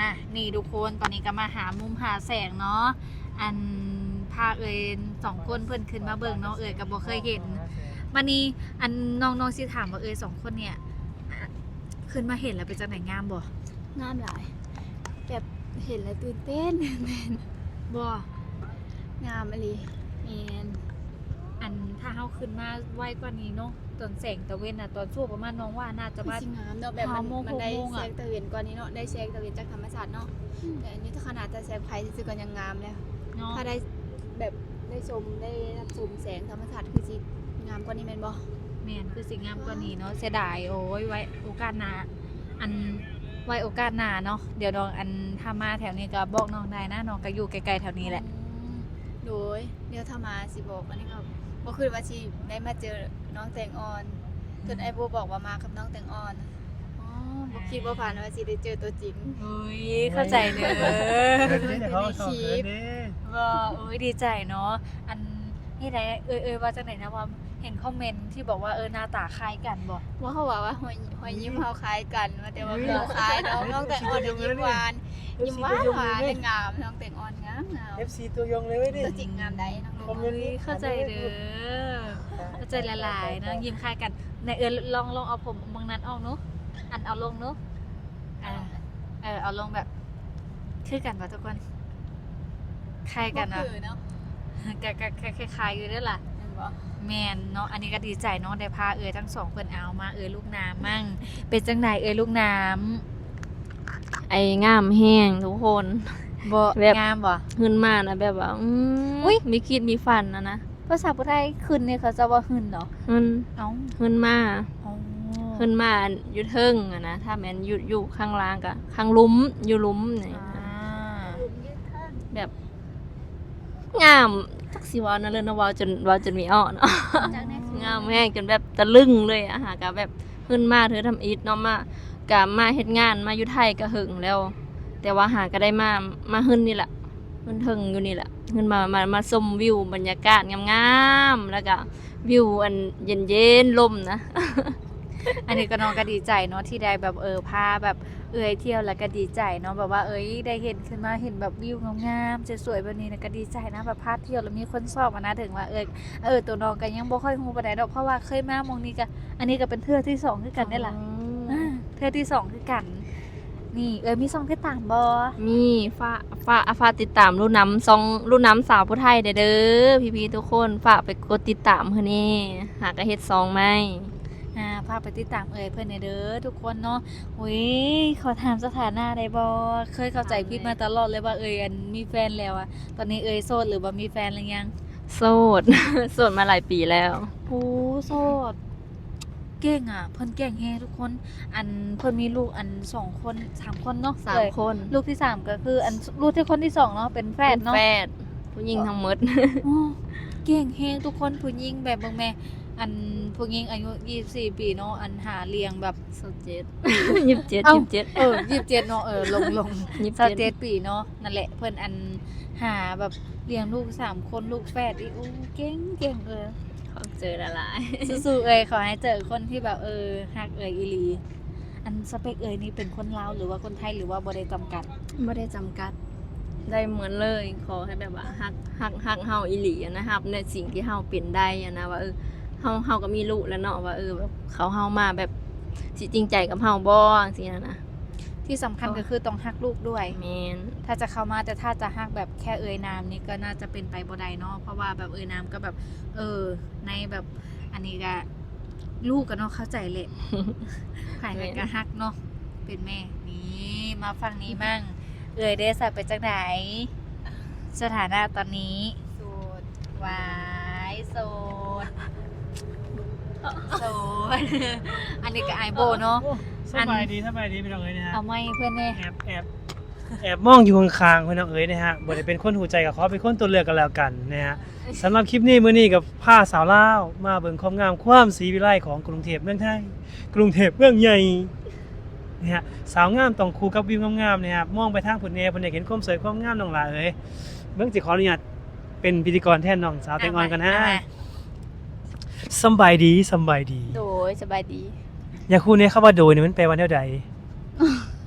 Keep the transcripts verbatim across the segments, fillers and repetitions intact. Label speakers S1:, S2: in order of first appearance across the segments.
S1: อ่ะนี่ทุกคนตอนนี้ก็มาหามุมหาแสงเนาะอันพาเอ่ยสองคนเพื่อนขึ้นมาเบิ่งเนาะเอ่ยก็บ่เคยเห็นวันนี้อันน้องๆสิถามว่าเอ่ยสองคนเนี่ยขึ้นมาเห็นแล้วเป็นจังไหนงามบ่
S2: งามหลายแบบเห็นแล้วตื่นเต้น
S1: บ่
S2: งามอะไรแมน
S1: อันถ้าเฮาขึ้นมาไวกว่านี้เนาะตอนแสงตะเวนน่ะตอนช่วงประมาณน้องว่าน่าจะ
S2: คือ
S1: ว่า
S2: สิงามเนาะแบบมัน
S1: ห้าโมง
S2: มันได้
S1: หกโมง
S2: แส
S1: อะ
S2: งตะเวนกว่านี้เนาะได้แสงตะเวนจากธรรมชาติเนาะแต่อันนี้ถ้าขนาดจะแสงไฟซื่อๆก็ยังงามแล้ว
S1: เนาะ
S2: ถ้าได้แบบได้ชมได้รับชมแสงธรรมชาติคือสิงามกว่านี้แม่นบ่
S1: แม่นคือสิงามกว่านี้เนาะเสียดายโอ้ยไว้โอกาสหน้าอันไว้โอกาสหน้าเนาะเดี๋ยวน้องอันถ้ามาแถวนี้ก็บอกน้องได้นะน้องก็อยู่ใกล้ๆแถวนี้แหละ
S2: อืมโดยเดี๋ยวถ้ามาสิบอกอันนี้ก็บ่คือว่าสิได้มาเจอน้องแตงอ่อนจนไอ้โบบอกว่ามากับน้องแตงอ่อนอ๋อบ่คิดว่าผ่านว่าสิได้เจอตัวจริง
S1: เฮ้ยเข้าใจเด้อ
S3: เดี๋ยวเขาสอนเขินดิ
S1: ว่าเอ้ยดีใจเนาะอันนี่ได้เอ้ยเอ้ยว่าจังไหนนะว่าเห็นคอมเมนต์ที่บอกว่าเออหน้าตาคล้ายกันบ่
S2: ว่าเขาบอกว่าหอยหอยยิ้มเขาคล้ายกันว่าแต่ว่าเขาคล้ายน้องน้องแตงอ่อนเนี่ยยิ้มหวานยิ้มหวานหวานเป็นงามน้องแตงอ่อนงามงาม
S3: เอฟซีตัวยงเลยเว้ยดิ
S2: ตัวจริงงามได้น้อง
S3: คอมเม
S2: ลู
S3: นต์
S1: เฮ้ยเข้าใจเด้อเข้าใจละลายๆเนาะยิ้มคล้ายกันในเออลองลองเอาผมบางนั้นออกเนาะอันเอาลงเนาะอ่าเออเอาลงแบบคือกันป่ะทุกคนคล้ายกัน
S2: เนาะ
S1: เนาะ
S2: คือเนาะ
S1: กะกะคล้ายๆอยู่เด้อล่ะ
S2: เห็นบ่
S1: แมนเนาะอันนี้ก็ดีใจเนาะได้พาเอ๋ยทั้งสองเพิ่นเอามาเอ๋ยลูกน้ำมั่งเป็นจังไดเอ๋ยลูกน้
S4: ไอ้งามแห้งทุกคน
S1: ำบ่
S4: แบบ
S1: งามบ่
S4: ขึ้นมานะแบบว่าอืม
S1: อุ๊ย
S4: มีคิดมีฟันนะนะ
S1: ภาษาพุทธไทยขึ้นเนี่ยเขาจะว่าขึ้นเนาะ
S4: ขึ้น
S1: เอ้า
S4: ขึ้นมา
S1: อ๋อ
S4: ขึ้นมาอยู่เทิงอะนะถ้าแม่นอยู่อยู่ข้างล่างก็ข้างหลุมอยู่หลุมนี่
S1: อ่า
S4: แบบงามจักสิเว่านะเลยนะเว่าจนเว่าจนมีอ้อเนาะ
S2: จากนั้นคือง
S4: ามแห้งจนแบบตะลึงเลยอะหาก็แบบขึ้นมาเธอทำอีทเนาะมากะมาเฮ็ดงานมาอยู่ไทยก็หึงแล้ว แต่ว่าหาก็ได้มามาขึ้นนี่แหละขึ้นเทิงอยู่นี่แหละขึ้นมามามาชมวิวบรรยากาศงามๆแล้วก็วิวอันเย็นๆลมนะ
S1: อันนี้ก็น้องก็ดีใจเนาะที่ได้แบบเออพาแบบเอ๋ยเที่ยวแล้วก็ดีใจเนาะแบบว่าเอ้ยได้เห็นขึ้นมาเห็นแบบวิวงามๆสวยๆแบบนี้นะก็ดีใจนะแบบพาเที่ยวแล้วมีคนชอบอะนะถึงว่าเออเออตัวน้องก็ยังบ่ค่อยฮู้ปานใดดอกเพราะว่าเคยมามองนี้ก็อันนี้ก็เป็นเทื่อที่สองคือกันได้ล่ะ อ่าเธอที่สองคือกัน นี่เออมีซองที่ต่างบอ
S4: มีฝ้าฝ้าอาฝากติดตามรุ่นน้ำซองรุ่นน้ำสาวผู้ไทยเด้อเด้อพี่ๆทุกคนฝากไปกดติดตามเพื่อนี่หากระเฮ็ดซองไหม
S1: อ่าพาไปติดตามเอ่ยเพื่อนเด้อทุกคนเนาะอุ้ยขอถามสถานะได้บอเคยเข้าใจพี่มาตลอดเลยว่าเอ่ยอันมีแฟนแล้วอะตอนนี้เอ่ยโสดหรือว่ามีแฟนหรือยัง
S4: โสด โสดมาหลายปีแล้ว
S1: โอ้โสดเก่งอ่ะเพิ่นเก่งแฮะทุกคน อันเพิ่นมีลูกอันสองคนสามคนเนาะ
S4: สาม
S1: เอ่ย
S4: คน
S1: ลูกที่สามก็คือ อันลูกที่คนที่สองเนาะเป็นแฟนเนาะ
S4: แฟดผู้หญิงทั้งหมด
S1: โอ้เก่งแฮงทุกคนผู้หญิงแบบเบิ่งแม่อันผู้หญิงอายุยี่สิบสี่ปีเนาะอันหาเลี้ยงแบบ
S4: สดเจ็ด ยิบเจ็ด
S1: เอ้า
S4: ยิบเจ็ด
S1: เออยี่สิบเจ็ดเนาะเออลงลง
S4: ยี่สิบ
S1: สา
S4: เจ็ด
S1: เจ็ดปีเนาะนั่นแหละเพิ่นอันหาแบบเลี้ยงลูกสามคนลูกแฝดอีกโอ้เก่งเก่งเออ
S4: เขาเจอละลาย
S1: สู้ๆเอ้ยขอให้เจอคนที่แบบเออฮักเอ้ยอีหลีอันสเปคเอ้ยนี่เป็นคนลาวหรือว่าคนไทยหรือว่าบ่ได้จำกัด
S4: ไม่ได้จำกัด ได้เหมือนเลย ขอให้แบบว่าฮักฮักฮักเฮาอีหลีอะนะครับในสิ่งที่เฮาเป็นได้อะนะว่าเออเฮาเฮาก็มีลูกแล้วเนาะว่าเออแบบเขาเฮามาแบบสิจริงใจกับเฮาบ่สินะนะ
S1: ที่สำคัญก็คือต้องฮักลูกด้วย
S4: แมน
S1: ถ้าจะเข้ามาแต่ถ้าจะฮักแบบแค่เอ่ยนามนี่ก็น่าจะเป็นไปบ่ได้เนาะเพราะว่าแบบเอ่ยนามก็แบบ เออ ในแบบอันนี้ก็ลูกก็เนาะเข้าใจเลย ขายกันก็ฮักเนาะเป็นแม่นี่มาฟังนี้มั่งเอ่ยได้สับไปจากไหนสถานะตอนนี้
S2: โสด
S1: วายโสดโสด อันนี้ก็ไอายโบเนาะ
S3: สบายดีสบายดีพี่น้องเอ๋ยนะฮะ
S1: เอาไม่เพื่อนเนี่ย
S3: แอบแอบแอบมองอยู่ข้างๆพี่น้องเอ๋ยนะฮะบ่ได้เป็นคนหูใจกับเขาเป็นคนตัวเลือกกันแล้วกันนะฮะสำหรับคลิปนี้มื้อนี้กับผ้าสาวลาวมาเบิ่งความงามความศรีวิไลของกรุงเทพเมืองไทยกรุงเทพเมืองใหญ่นะฮะสาวงามต้องคู่กับวิวงามๆนะครับมองไปทางผุนแนเพิ่นได้เห็นความสวยความงามน้องหลาเอ๋ยเบิ่งสิขออนุญาตเป็นพิธีกรแทนน้องสาวแตงอ่อนกันนะสำบายดีสำบายดี
S2: โดยสบายดี
S3: อย่าคู่นี้คำว่าโดยนี่มันแปลว่าแนวใด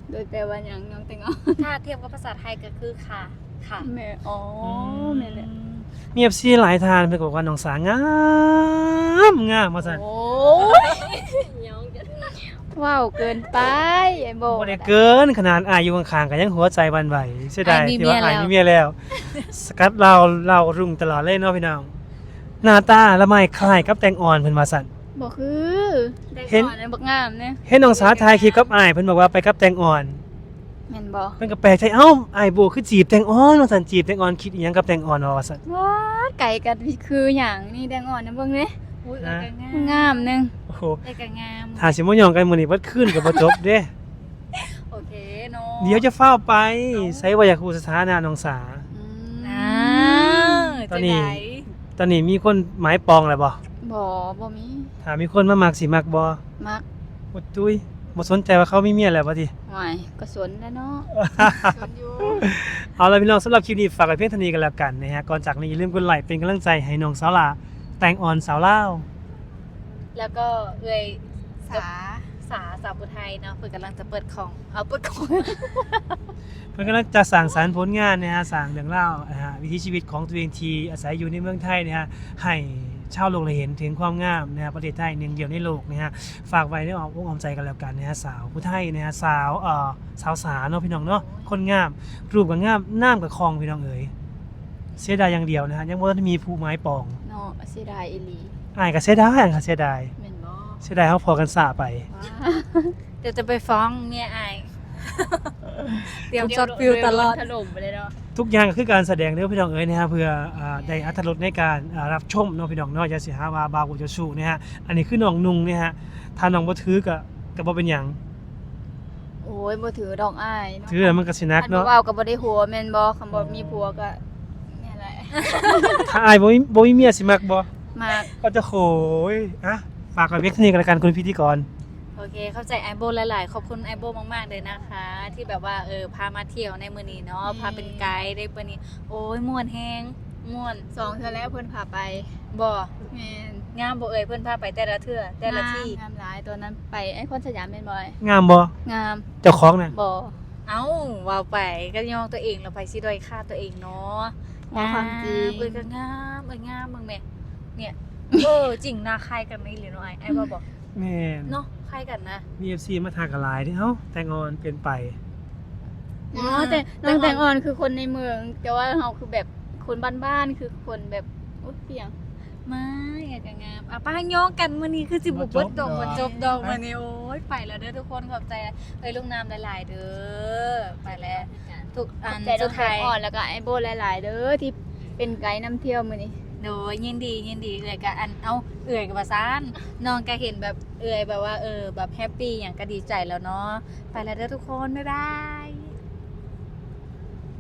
S2: โดยแปลว่าหยังน้องแตงออน
S1: ถ้าเทียบกับภาษาไทยก็คือค่ะค่ะ
S2: แม่อ๋อแม่นแหละ
S3: มี เอฟ ซี หลายทานเพิ่นก็บอกว่าน้องสางามงามว่าซั่น
S2: โอ้
S4: ยองกัน
S2: ว้าวเกินไปไอ้โบ
S3: บ่ได้เกินขนาดอายอยู่ข้างๆก็ยังหัวใจหวั่นไหวเสียดายที่ว่าอายมีเมียแล้ว สกัดเราเรารุ่งตลอดเลยเนาะพี่น้องหน้าตาละไมคล้ายกับแตงอ่อนเพิ่นว่าซั่น
S2: บ่คือ
S3: เห็น
S2: ได้ก่อนเลยบักงามเนี่ย
S3: เห็นน้องสาวถ่ายคลิปกับอายเพิ่นบอกว่าไปกับแตงอ่อน
S2: แม่นบ่
S3: เพิ่นก็แปลกใจเอ้าอายโบคือจีบแตงอ่อนว่าซั่นจีบแตงอ่อนคิดอีหยังกับแตงอ่อนว่าซั่น
S2: ว้าดไก่กันคือหยังนี่แดงอ่อนนะเบิ่งเด้
S1: อุ้ยเอ้ยก็งาม
S2: งามหนึง
S3: โอ้โห
S1: เอ้ยก็งาม
S3: ถ้าสิมาหยองกันมื้อนี้บ่คืนก็บ่จบเด้
S1: โอเคเนาะ
S3: เดี๋ยวจะเฝ้าวไปใส่ว่าอยากรู้สถานะน้องสา
S2: อืม
S1: อ่า
S3: ตอนนี้
S1: จะไห
S3: ตอนนี้มีคนหมายปองแล้วบ่
S2: บ่บ่มี
S3: ถ้ามีคนมามักสิมักบ่
S2: มัก
S3: บ่ตุ้ยบ่สนใจว่าเขามีเมียแล้วบ่ติ
S2: หวายก็สนแล้วเนาะสนอยู่
S3: เอาล่ะพี่น้องสำหรับคลิปนี้ฝากไว้เพียงเท่านี้กันแล้วกันนะฮะก่อนจากนี้อย่าลืมกดไลค์เป็นกำลังใจให้น้องสาวหลาแตงอ่อนสาวลาว
S1: แล้วก็เอ้ย
S2: สา
S1: สาสาวปุไทยเนาะเพิ่นกำลังจะเปิดของเอาเปิดของ
S3: เพิ่นกำลังจะสร้างสรรค์ผลงานนะฮะสร้างเรื่องราวนะฮะวิถีชีวิตของตัวเองที่อาศัยอยู่ในเมืองไทยนะฮะให้ชาวโลกได้เห็นถึงความงามนะฮะประเทศไทยหนึ่งเดียวในโลกนะฮะฝากไว้ในอ้อมอกอ้อมใจกันแล้วกันนะฮะสาวผู้ไทยนะฮะสาวเอ่อสาวสาเนาะพี่น้องเนาะคนงามรูปก็งามน้ำก็คลองพี่น้องเอ๋ยเสียดายอย่างเดียวนะฮะยังบ่ทันมีผู้ไม้ปอง
S2: เนาะเสียดายอีหลี
S3: อ้ายก็เสียดายอ้ายก็เสียดาย
S2: แม่นบ่
S3: เสียดายเฮาพอกันสะไป
S1: เดี๋ยวจะไปฟ้องเมียอาย เตรียมช็อตฟิลตลอด
S2: ถล่มไปเลยเนาะ
S3: ทุกอย่างก็คือการแสดงเด้อพี่น้องเอ๋ยนะฮะเพื่ออ่าได้อรรถรสในการอ่ารับชมเนาะพี่น้องเนาะอย่าสิหาว่าบากูจะสู้นะฮะอันนี้คือน้องนุ่งเนี่ยฮะถ้าน้องบ่ถือก็ก็บ่เป็นหยัง
S2: โอ้ยบ่ถือดอกอ้ายเนาะ
S3: ถือแล้วมันก็สิหนัก
S2: อันบ่
S3: เนาะ
S2: เว้าก็บ่ได้หัวแม่นบ่คำบ่มีผัวก็นี่แหละ
S3: ถ้าอายบ่มีบ่มีเมียสิมักบ่
S2: มาก
S3: ก็จะโขยอะฝากไว้เพียงเท่านี้กันแล้วกันคุณพิธีกร
S1: โอเค เข้าใจไอโบหลาย ๆ ขอบคุณไอโบมาก ๆ เลยนะคะ ที่แบบว่าเออพามาเที่ยวในมื้อนี้เนาะพาเป็นไกด์ได้มื้อนี้ โอ้ยม่วนแฮงม่วน
S2: สองเทื่อแล้วเพิ่นพาไป
S1: บ่
S2: แม่น
S1: งามบ่เอ่ยเพิ่นพาไปแต่ละเทื่อแต่ละที่
S2: งามหลายตัวนั้นไปไอ้คนสยามแม่นบ่อย
S3: งามบ่
S2: งาม
S3: เจ้าของน่ะ
S2: บ่
S1: เอ้าว่าไปก็ยองตัวเองแล้วไปสิด้อยค่าตัวเองเนาะ
S2: ว่าความจริง
S1: เอ้ยก็งามเอ้ยงามมึงแม่เนี่ยเออจริงนะใครกันไม่หรือเนาะไอ้ไอ้บ่บอก
S3: แม่น
S1: เนาะใครกันนะ
S3: มี เอฟ ซี มาทางกันหลายเด้เอ้าแต่งอนเป็นไป
S2: อ๋อแต่น้องแตงอ่อนคือคนในเมือง แต่ว่าเฮาคือแบบคนบ้านๆคือคนแบบอุ๊ยเปียง
S1: ไม่อยากจะงามอ่ะป้าโยกกันมื้อนี้คือสิบ่เบิดดอกบ่จบดอกมื้อนี้โอ้ยไปแล้วเด้อทุกคนขอบใจเอ้ยลูกน้ำหลายๆเด้อไปแล้วทุกอัน
S2: ใจน้
S1: สุ
S2: อง
S1: ด
S2: แต
S1: ท้าง ย
S2: อ่อนแล้วก็ไอ้โบหลายๆเด้อที่เป็นไกด์นำเที่ยวมื้อนี้
S1: โดยยินดียินดีเอื่อยกับอันเอาเอื่อยกับภาษานน้องก็เห็นแบบเอื่อยแบบว่าเออแบบแฮปปี้อย่างก็ดีใจแล้วเนาะไปแล้วเด้อทุกคนบ๊ายบาย